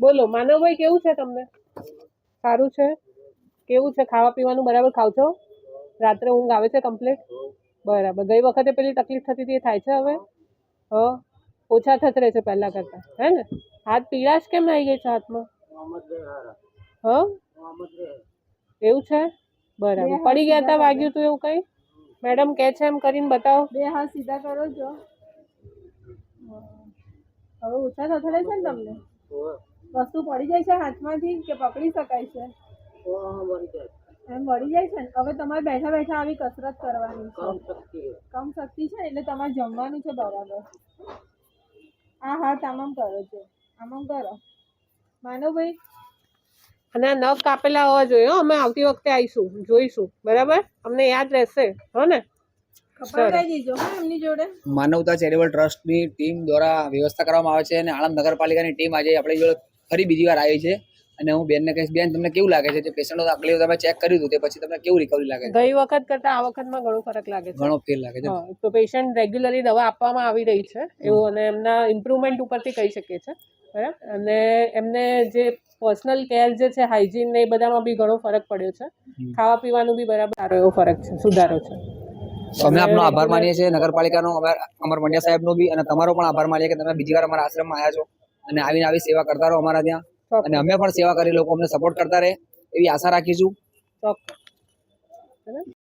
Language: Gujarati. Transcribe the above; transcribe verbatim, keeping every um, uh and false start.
બોલો માનવભાઈ, કેવું છે તમને? સારું છે? કેવું છે, ખાવા પીવાનું બરાબર ખાવ છો? રાત્રે ઊંઘ આવે છે કમ્પ્લીટ? બરાબર. ગઈ વખતે પેલી તકલીફ થતી હતી એ થાય છે હવે? હ ઓછા થતરે છે પહેલા કરતા, હે ને? હાથ પીળાશ કેમ આવી ગઈ છે હાથમાં? હ એવું છે? બરાબર. પડી ગયા તા, વાગ્યું તું એવું કઈ? મેડમ કે છે એમ કરીને બતાવો. બે હાથ સીધા કરો છો. હવે ઓછા થથડે છે ને તમને? વસ્તુ પડી જાય છે હાથમાંથી કે પકડી શકાય છે? એમ વળી જાય છે ને? હવે તમારે બેઠા બેઠા આવી કસરત કરવાની છે. કમ શક્તિ છે એટલે તમારે જમવાનું છે બરાબર. આ હાથ આમ આમ કરો છો, આમ આમ કરો માનવભાઈ. અને આ નખ કાપેલા હોવા જોઈએ. હો, અમે આવતી વખતે આવીશું, જોઈશું, બરાબર? અમને યાદ રહેશે, હો ને? માનવતા ચેરિટેબલ ટ્રસ્ટની ટીમ દ્વારા વ્યવસ્થા કરવામાં આવે છે અને આણંદ નગરપાલિકાની ટીમ આજે આપણી જોડે ફરી બીજી વાર આવી છે. અને હું બેનને કહીશ, બેન તમને કેવું લાગે છે? જે પેશન્ટો આગળ તમે ચેક કર્યું હતું તે પછી તમને કેવું રિકવરી લાગે છે? ગઈ વખત કરતા આ વખતમાં ઘણો ફરક લાગે છે. ઘણો ફેર લાગે છે. તો પેશન્ટ રેગ્યુલરલી દવા આપવામાં આવી રહી છે એવું, અને એમના ઇમ્પ્રુવમેન્ટ ઉપરથી કહી શકીએ છીએ, બરાબર? અને એમને જે પર્સનલ કેર જે છે, હાઇજીન ને એ બધામાં બી ઘણો ફરક પડ્યો છે. ખાવા પીવાનું બી બરાબર સારો એવો ફરક છે, સુધારો છે. અમે આપનો આભાર માનીએ છીએ નગરપાલિકાનો, અમર મંડ્યા સાહેબનો બી, અને તમારો પણ આભાર માનીએ કે તમે બીજી વાર અમારા આશ્રમમાં આવ્યા છો અને આવીને આવી સેવા કરતા રહો અમારા ત્યાં, અને અમે પણ સેવા કરી લોકો અમને સપોર્ટ કરતા રહે એવી આશા રાખીશું. ચોક્કસ.